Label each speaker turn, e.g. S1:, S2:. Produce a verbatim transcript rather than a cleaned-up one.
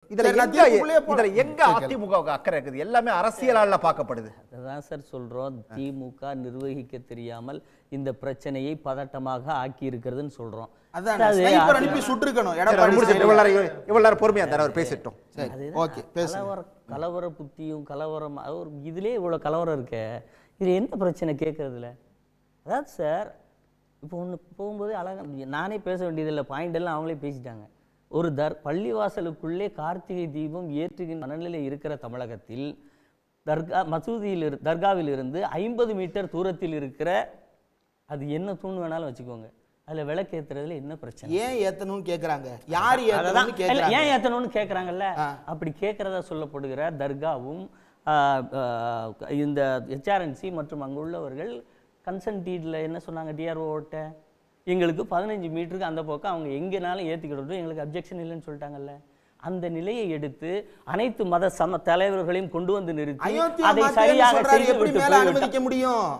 S1: இதுல எங்க இதுல எங்க அதிமுக அக்கறை இருக்குது? எல்லாமே அரசியலால பார்க்கப்படுது.
S2: அதான் சார் சொல்றோம், திமுக நிர்வகிக்க தெரியாமல் இந்த பிரச்சனையை பதட்டமாக ஆக்கி இருக்கிறதுன்னு சொல்றோம்.
S3: அதான் ஸ்னைப்பர் அனுப்பி சுட்டுக்கணும்.
S1: இவ்வளவு நேரம் பொறுமையா இருந்தார், அவர் பேசிட்டோம்.
S3: ஓகே,
S2: கலவர கலவர புத்தியும் கலவரம் ஒரு இதுலயே இவ்வளவு கலவரம் இருக்க, இது என்ன பிரச்சனை கேட்கறதுல? அதாவது சார் இப்போ ஒன்று போகும்போது அழகா நானே பேச வேண்டியதில்லை, பாயிண்ட் எல்லாம் அவங்களே பேசிட்டாங்க. ஒரு தர் பள்ளிவாசலுக்குள்ளே கார்த்திகை தீபம் ஏற்றுகின்ற மனநிலை இருக்கிற தமிழகத்தில் தர்கா மசூதியில் இரு தர்காவில் இருந்து ஐம்பது மீட்டர் தூரத்தில் இருக்கிற அது என்ன தூண் வேணாலும் வச்சுக்கோங்க, அதுல விளக்கு ஏத்துறதுல என்ன பிரச்சனை?
S3: ஏன் ஏத்தணும்னு கேக்குறாங்க. யார் ஏத்தணும்னு கேக்குறாங்க.
S2: ஏன் ஏத்தணும்னு கேக்குறாங்கல்ல. அப்படி கேட்கறதா சொல்லப்படுகிற தர்காவும் இந்த ஹெச்ஆர்என்சி மற்றும் அங்குள்ளவர்கள் கன்சென்ட் டீட்ல என்ன சொன்னாங்க, டிஆர்ஓட்ட எங்களுக்கு பதினஞ்சு மீட்டருக்கு அந்த பக்கம் அவங்க எங்கேனாலும் ஏற்றிக்கிட்டு எங்களுக்கு அப்ஜெக்ஷன் இல்லைன்னு சொல்லிட்டாங்கல்ல. அந்த நிலையை எடுத்து அனைத்து மத சம தலைவர்களையும் கொண்டு வந்து நிறுத்தி அதை சரியாக செய்து விட்டு போய்விட்டார்.